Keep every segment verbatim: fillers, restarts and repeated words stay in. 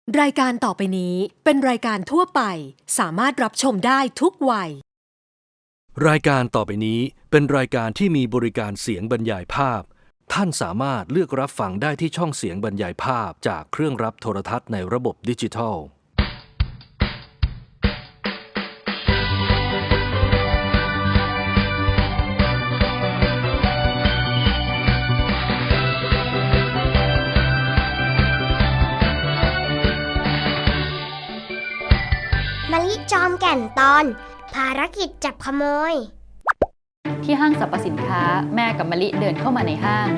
รายการต่อไปนี้เป็นรายการทั่วไปสามารถรับชมได้ทุกวัยรายการต่อไปนี้เป็นรายการที่มีบริการเสียงบรรยายภาพท่านสามารถเลือกรับฟังได้ที่ช่องเสียงบรรยายภาพจากเครื่องรับโทรทัศน์ในระบบดิจิทัลมะลิจอมแก่นตอนภารกิจจับขโมยที่ห้างสรรพสินค้าแม่กับมะลิเดินเข้ามาในห้าง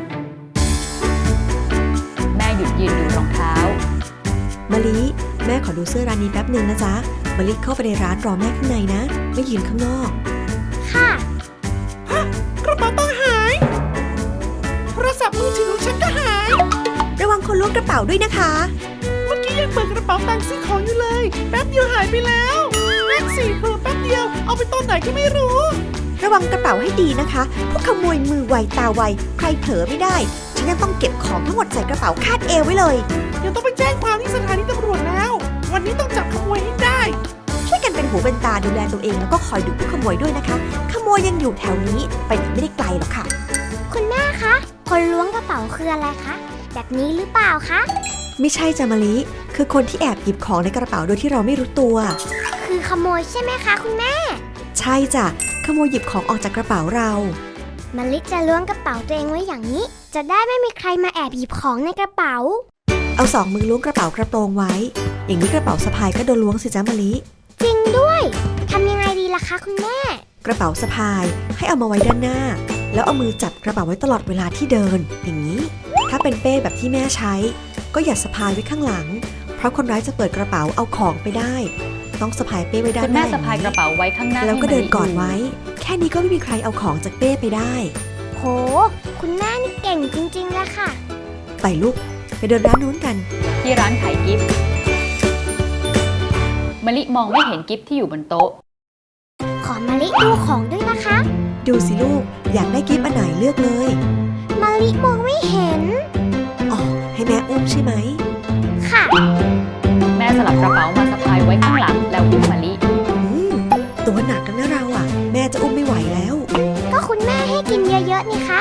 แม่หยุดยืนดูรองเท้ามะลิแม่ขอดูเสื้อร้านนี้แป๊บหนึ่งนะจ๊ะมะลิเข้าไปในร้านรอแม่ข้างในนะไม่ยืนข้างนอกค่ะฮะกระเป๋าตังค์หายโทรศัพท์มือถือฉันก็หายระวังคนล้วงกระเป๋าด้วยนะคะเมื่อกี้ยังเปิดกระเป๋าตังค์ซื้อของอยู่เลยแป๊บเดียวหายไปแล้วนั่นสิเผลอแป๊บเดียวเอาไปตอนไหนก็ไม่รู้ระวังกระเป๋าให้ดีนะคะพวกขโมยมือไวตาไวใครเผลอไม่ได้ฉันยังต้องเก็บของทั้งหมดใส่กระเป๋าคาดเอวไว้เลยเดี๋ยวต้องไปแจ้งความที่สถานีตำรวจแล้ววันนี้ต้องจับขโมยให้ได้ช่วยกันเป็นหูเป็นตาดูแลตัวเองแล้วก็คอยดูผู้ขโมยด้วยนะคะขโมยยังอยู่แถวนี้ไปไหนไม่ได้ไกลหรอกค่ะคุณแม่คะคนล้วงกระเป๋าคืออะไรคะแบบนี้หรือเปล่าคะไม่ใช่จ้ะมะลิคือคนที่แอบหยิบของในกระเป๋าโดยที่เราไม่รู้ตัวคือขโมยใช่ไหมคะคุณแม่ใช่จ้ะขโมยหยิบของออกจากกระเป๋าเรามะลิจะล้วงกระเป๋าตัวเองไว้อย่างนี้จะได้ไม่มีใครมาแอบหยิบของในกระเป๋าเอาสองมือล้วงกระเป๋ากระโปรงไว้อย่างนี้กระเป๋าสะพายก็โดนล้วงสิจ้ะมะลิจริงด้วยทำยังไงดีล่ะคะคุณแม่กระเป๋าสะพายให้เอามาไว้ด้านหน้าแล้วเอามือจับกระเป๋าไว้ตลอดเวลาที่เดินอย่างนี้ถ้าเป็นเป้แบบที่แม่ใช้ก็อย่าสะพายไว้ข้างหลังเพราะคนร้ายจะเปิดกระเป๋าเอาของไปได้ต้องสะพายเป้ไว้ด้านหน้าคุณแม่สะพายกระเป๋าไว้ข้างหน้าแล้วก็เดินกอดไว้แค่นี้ก็ไม่มีใครเอาของจากเป้ไปได้โหคุณแม่นี่เก่งจริงๆเลยค่ะไปลูกไปเดินร้านนู้นกันที่ร้านขายกิฟต์มะลิมองไม่เห็นกิฟต์ที่อยู่บนโต๊ะขอมะลิดูของด้วยนะคะดูสิลูกอยากได้กิฟต์อันไหนเลือกเลยมะลิมองไม่เห็นอ๋อให้แม่อุ้มใช่ไหมค่ะแม่สลับกระเป๋ามาสะพายไว้ข้างหลังแล้วอุ้มมะลิตัวหนักกันนะเราอ่ะแม่จะอุ้มไม่ไหวแล้วก็คุณแม่ให้กินเยอะๆนี่คะ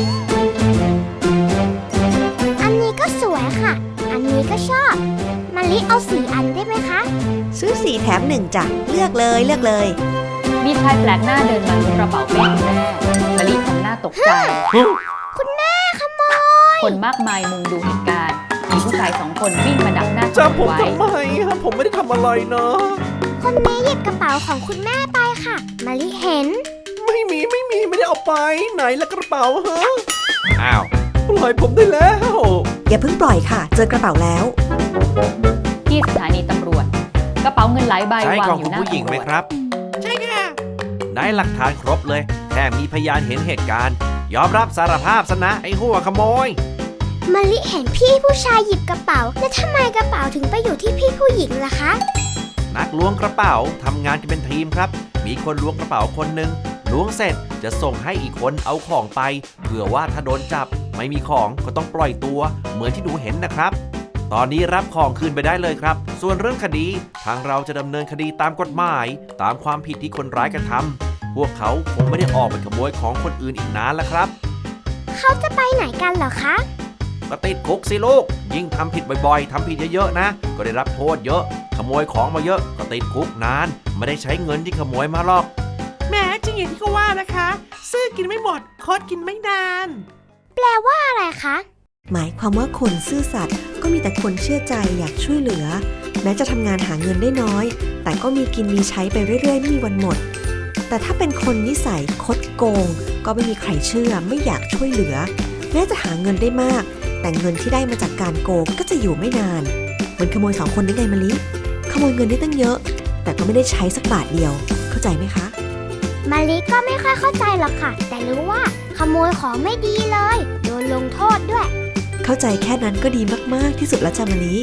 อันนี้ก็สวยค่ะอันนี้ก็ชอบมะลิเอาสี่อันได้ไหมคะซื้อสี่แถมหนึ่งจ้ะเลือกเลยเลือกเลยมีชายแปลกหน้าเดินมาล้วงกระเป๋าเป้คุณแม่มะลิทำหน้าตกใจคุณแม่ขโมยคนมากมายมุงดูเหตุการณ์มีผู้ชายสองคนวิ่งมาดักหน้าจับผมทำไมครับผมไม่ได้ทำอะไรนะคนนี้หยิบกระเป๋าของคุณแม่ไปค่ะมะลิเห็นไม่มีไม่มีไม่ได้เอาไปไหนละกระเป๋าฮะอ้าวปล่อยผมได้แล้วอย่าเพิ่งปล่อยค่ะเจอกระเป๋าแล้วที่สถานีตำรวจกระเป๋าเงินหลายใบวางอยู่หน้าตำรวจใช่ของผู้หญิงไหมครับใช่ค่ะได้หลักฐานครบเลยแถมมีพยานเห็นเหตุการณ์ยอมรับสารภาพซะนะไอ้หัวขโมยมะลิเห็นพี่ผู้ชายหยิบกระเป๋าแล้วทำไมกระเป๋าถึงไปอยู่ที่พี่ผู้หญิงล่ะคะนักล้วงกระเป๋าทำงานกันเป็นทีมครับมีคนล้วงกระเป๋าคนหนึ่งล้วงเสร็จจะส่งให้อีกคนเอาของไปเผื่อว่าถ้าโดนจับไม่มีของก็ต้องปล่อยตัวเหมือนที่หนูเห็นนะครับตอนนี้รับของคืนไปได้เลยครับส่วนเรื่องคดีทางเราจะดำเนินคดีตามกฎหมายตามความผิดที่คนร้ายกระทำพวกเขาคงไม่ได้ออกไปขโมยของคนอื่นอีกนานแล้วครับเขาจะไปไหนกันเหรอคะก็ติดคุกสิลูกยิ่งทำผิดบ่อยๆทำผิดเยอะๆนะก็ได้รับโทษเยอะขโมยของมาเยอะก็ติดคุกนานไม่ได้ใช้เงินที่ขโมยมาหรอกแม่จริงอย่างที่เขาว่านะคะซื้อกินไม่หมดคดกินไม่นานแปลว่าอะไรคะหมายความว่าคนซื่อสัตย์ก็มีแต่คนเชื่อใจอยากช่วยเหลือแม้จะทำงานหาเงินได้น้อยแต่ก็มีกินมีใช้ไปเรื่อยๆไม่มีวันหมดแต่ถ้าเป็นคนนิสัยคดโกงก็ไม่มีใครเชื่อไม่อยากช่วยเหลือแม้จะหาเงินได้มากแต่เงินที่ได้มาจากการโกงก็จะอยู่ไม่นานเหมือนขโมยสองคนได้ไงมะลิขโมยเงินได้ตั้งเยอะแต่ก็ไม่ได้ใช้สักบาทเดียวเข้าใจไหมคะมะลิก็ไม่ค่อยเข้าใจหรอกค่ะแต่รู้ว่าขโมยของไม่ดีเลยโดนลงโทษด้วยเข้าใจแค่นั้นก็ดีมากๆที่สุดแล้วจ้ะมะลิ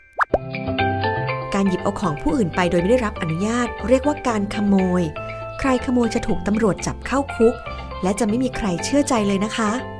การหยิบเอาของผู้อื่นไปโดยไม่ได้รับอนุญาตเรียกว่าการขโมยใครขโมยจะถูกตำรวจจับเข้าคุกและจะไม่มีใครเชื่อใจเลยนะคะ